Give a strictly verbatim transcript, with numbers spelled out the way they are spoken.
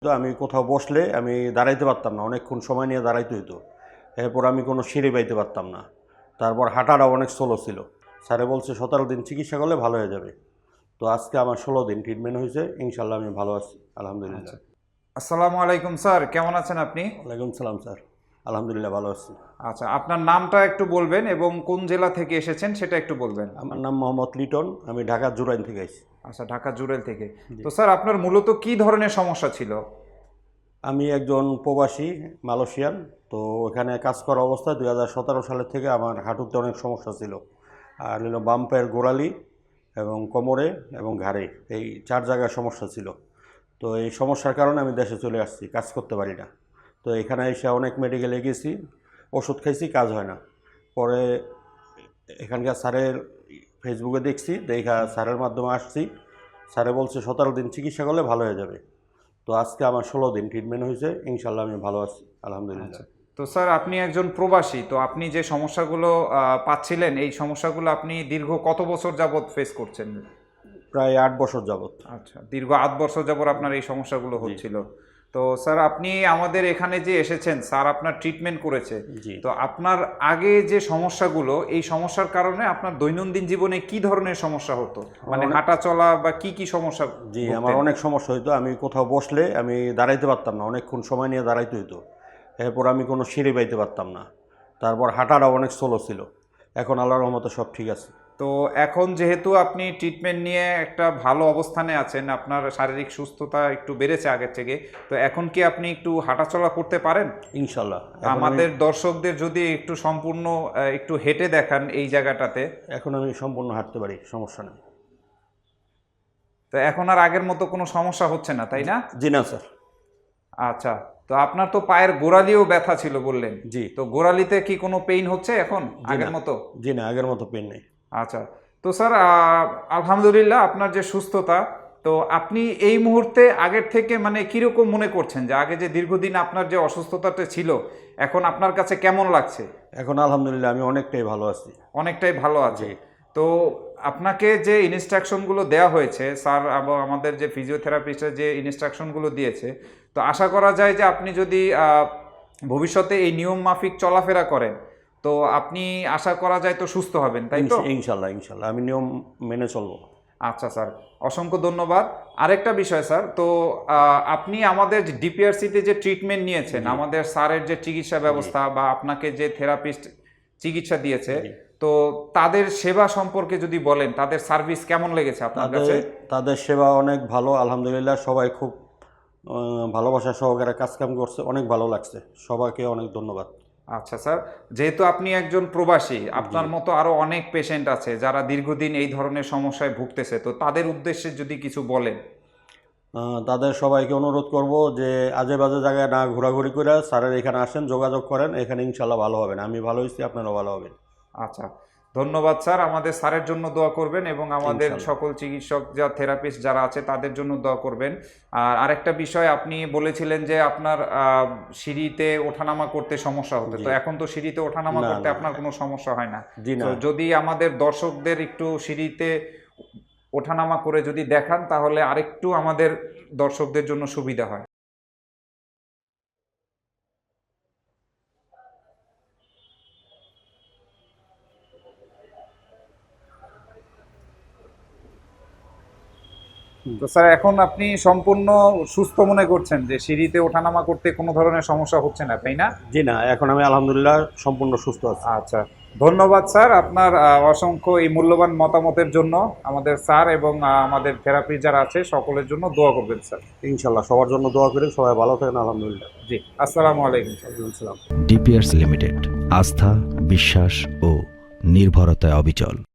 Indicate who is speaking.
Speaker 1: তো আমি কোথাও বসলে আমি দাঁড়াইতে পারতাম না, অনেকক্ষণ সময় নিয়ে দাঁড়াইতে হইতো। এরপর আমি কোনো সিঁড়ি পাইতে পারতাম না। তারপর হাঁটাটা অনেক স্লো ছিল। স্যারে বলছে সতেরো দিন চিকিৎসা করলে ভালো হয়ে যাবে। তো আজকে আমার ষোলো দিন ট্রিটমেন্ট হয়েছে, ইনশাল্লাহ আমি ভালো আছি আলহামদুলিল্লাহ।
Speaker 2: আসসালামু আলাইকুম স্যার, কেমন আছেন আপনি?
Speaker 1: ওয়ালাইকুম সালাম স্যার, আলহামদুলিল্লাহ ভালো আছি।
Speaker 2: আচ্ছা, আপনার নামটা একটু বলবেন এবং কোন জেলা থেকে এসেছেন সেটা একটু বলবেন।
Speaker 1: আমার নাম মোহাম্মদ লিটন, আমি ঢাকা জুরাইন থেকে আইছি।
Speaker 2: আচ্ছা, ঢাকা জুরেল থেকে। তো স্যার, আপনার মূলত কি ধরনের সমস্যা ছিল?
Speaker 1: আমি একজন প্রবাসী মালয়েশিয়ান। তো ওখানে কাজ করা অবস্থায় দুই হাজার সতেরো সালের থেকে আমার হাঁটুতে অনেক সমস্যা ছিল। আর হলো বাম পায়ের গোড়ালি এবং কোমরে এবং ঘাড়ে, এই চার জায়গায় সমস্যা ছিল। তো এই সমস্যার কারণে আমি দেশে চলে আসছি, কাজ করতে পারি না। তো এখানে এসে অনেক মেডিকেলে গেছি, ওষুধ খাইছি, কাজ হয় না। পরে এখানকার স্যারের ফেসবুকে দেখছি, দেখা স্যারের মাধ্যমে আসছি। স্যারে বলছে সতেরো দিন চিকিৎসা করলে ভালো হয়ে যাবে। তো আজকে আমার ষোলো দিন ট্রিটমেন্ট হয়েছে, ইনশাল্লাহ আমি ভালো আছি আলহামদুলিল্লাহ।
Speaker 2: তো স্যার, আপনি একজন প্রবাসী, তো আপনি যে সমস্যাগুলো আহ, পাচ্ছিলেন, এই সমস্যাগুলো আপনি দীর্ঘ কত বছর যাবত ফেস করছেন?
Speaker 1: প্রায় আট বছর যাবত।
Speaker 2: আচ্ছা, দীর্ঘ আট বছর যাবত আপনার এই সমস্যাগুলো হচ্ছিল। তো স্যার, আপনি আমাদের এখানে যে এসেছেন, স্যার আপনার ট্রিটমেন্ট করেছে।
Speaker 1: জি।
Speaker 2: তো আপনার আগে যে সমস্যাগুলো, এই সমস্যার কারণে আপনার দৈনন্দিন জীবনে কি ধরনের সমস্যা হতো, মানে
Speaker 1: অনেক-
Speaker 2: হাঁটা চলা বা কি কি সমস্যা?
Speaker 1: জি,
Speaker 2: ভুগতেন?
Speaker 1: আমার অনেক সমস্যা হইতো। আমি কোথাও বসলে আমি দাঁড়াইতে পারতাম না, অনেকক্ষণ সময় নিয়ে দাঁড়াইতে হইতো। এরপর আমি কোনো সিঁড়ি পাইতে পারতাম না। তারপর হাঁটাটা অনেক স্লো ছিল। এখন আল্লাহর রহমতে সব ঠিক আছে।
Speaker 2: তো এখন যেহেতু আপনি ট্রিটমেন্ট নিয়ে একটা ভালো অবস্থানে আছেন, আপনার শারীরিক সুস্থতা একটু বেড়েছে আগের থেকে, তো এখন কি আপনি একটু হাঁটাচলা করতে পারেন?
Speaker 1: ইনশাল্লাহ। এখন আমি-
Speaker 2: আমাদের দর্শকদের যদি একটু সম্পূর্ণ আহ, একটু হেঁটে দেখান এই জায়গাটাতে।
Speaker 1: এখন আমি সম্পূর্ণ হাঁটতে পারি, সমস্যা নেই।
Speaker 2: তো এখন আর আগের মতো কোনো সমস্যা হচ্ছে না, তাই না?
Speaker 1: জি না স্যার।
Speaker 2: আচ্ছা, তো আপনার তো পায়ের গোড়ালিও ব্যথা ছিল বললেন।
Speaker 1: জি।
Speaker 2: তো গোড়ালিতে কি কোনো পেইন হচ্ছে এখন
Speaker 1: জি
Speaker 2: আগের
Speaker 1: না।
Speaker 2: মতো?
Speaker 1: জি না, আগের মতো পেন নেই।
Speaker 2: আচ্ছা, তো স্যার আহ, আলহামদুলিল্লাহ আপনার যে সুস্থতা, তো আপনি এই মুহূর্তে আগের থেকে মানে কিরকম মনে করছেন, যে আগে যে দীর্ঘদিন আপনার যে অসুস্থতাটা ছিল, এখন আপনার কাছে কেমন লাগছে?
Speaker 1: এখন আলহামদুলিল্লাহ আমি অনেকটাই ভালো আছি।
Speaker 2: অনেকটাই ভালো আছে।
Speaker 1: জি।
Speaker 2: তো আপনাকে যে ইনস্ট্রাকশনগুলো দেওয়া হয়েছে স্যার এবং আমাদের যে ফিজিওথেরাপিস্টের যে ইনস্ট্রাকশনগুলো দিয়েছে, তো আশা করা যায় যে আপনি যদি আহ, ভবিষ্যতে এই নিয়ম মাফিক চলাফেরা করেন, তো আপনি আশা করা যায় তো সুস্থ হবেন, তাই তো?
Speaker 1: ইনশ- ইনশাল্লাহ ইনশাল্লাহ আমি নিয়ম মেনে চলবো।
Speaker 2: আচ্ছা স্যার, অসংখ্য ধন্যবাদ। আরেকটা বিষয় স্যার, তো আহ, আপনি আমাদের ডিপিআরসিতে যে ট্রিটমেন্ট নিয়েছেন, আমাদের স্যারের যে চিকিৎসা ব্যবস্থা বা আপনাকে যে থেরাপিস্ট চিকিৎসা দিয়েছে,
Speaker 1: জি।
Speaker 2: তো তাদের সেবা সম্পর্কে যদি বলেন, তাদের সার্ভিস কেমন লেগেছে আপনার
Speaker 1: তাদের
Speaker 2: কাছে?
Speaker 1: তাদের সেবা অনেক ভালো আলহামদুলিল্লাহ। সবাই খুব আহ, ভালোবাসা সহকারে কাজকাম করছে, অনেক ভালো লাগছে। সবাইকে অনেক ধন্যবাদ।
Speaker 2: আচ্ছা স্যার, যেহেতু আপনি একজন প্রবাসী, আপনার মতো আরো অনেক পেশেন্ট আছে যারা দীর্ঘদিন এই ধরনের সমস্যায় ভুগতেছে, তো তাদের উদ্দেশ্যে যদি কিছু বলেন।
Speaker 1: আহ, তাদের সবাইকে অনুরোধ করব যে আজে বাজে জায়গায় না ঘোরাঘুরি করে স্যারের এখানে আসেন, যোগাযোগ করেন, এখানে ইনশাল্লাহ ভালো হবেন। আমি ভালো হয়েছি, আপনারাও ভালো হবেন।
Speaker 2: আচ্ছা, ধন্যবাদ স্যার। আমাদের স্যারের জন্য দোয়া করবেন এবং আমাদের
Speaker 1: ইনশাল্লাহ।
Speaker 2: সকল চিকিৎসক যা থেরাপিস্ট যারা আছে তাদের জন্য দোয়া করবেন। আর আরেকটা বিষয়, আপনি বলেছিলেন যে আপনার আহ, সিঁড়িতে ওঠানামা করতে সমস্যা হতো,
Speaker 1: জি।
Speaker 2: তো এখন তো সিঁড়িতে ওঠানামা
Speaker 1: না,
Speaker 2: করতে
Speaker 1: না।
Speaker 2: আপনার কোনো সমস্যা হয় না?
Speaker 1: জি না।
Speaker 2: তো যদি আমাদের দর্শকদের একটু সিঁড়িতে ওঠানামা করে যদি দেখান, তাহলে আরেকটু আমাদের দর্শকদের জন্য সুবিধা হয়। তো স্যার, এখন আপনি সম্পূর্ণ সুস্থ মনে করছেন যে সিঁড়িতে ওঠানামা করতে কোনো ধরনের সমস্যা হচ্ছে না, তাই না?
Speaker 1: জি না, এখন আমি আলহামদুলিল্লাহ সম্পূর্ণ সুস্থ আছি।
Speaker 2: আচ্ছা, ধন্যবাদ স্যার আপনার আহ, অসংখ্য এই মূল্যবান মতামতের জন্য। আমাদের স্যার এবং আহ, আমাদের থেরাপি যারা আছে সকলের জন্য দোয়া করবেন স্যার।
Speaker 1: ইনশাল্লাহ সবার জন্য দোয়া করি, সবাই ভালো থাকেন আলহামদুলিল্লাহ।
Speaker 2: জি, আসসালামু আলাইকুম।
Speaker 1: আসসালাম।
Speaker 3: ডিপিআরস লিমিটেড, আস্থা, বিশ্বাস ও নির্ভরতায় অবিচল।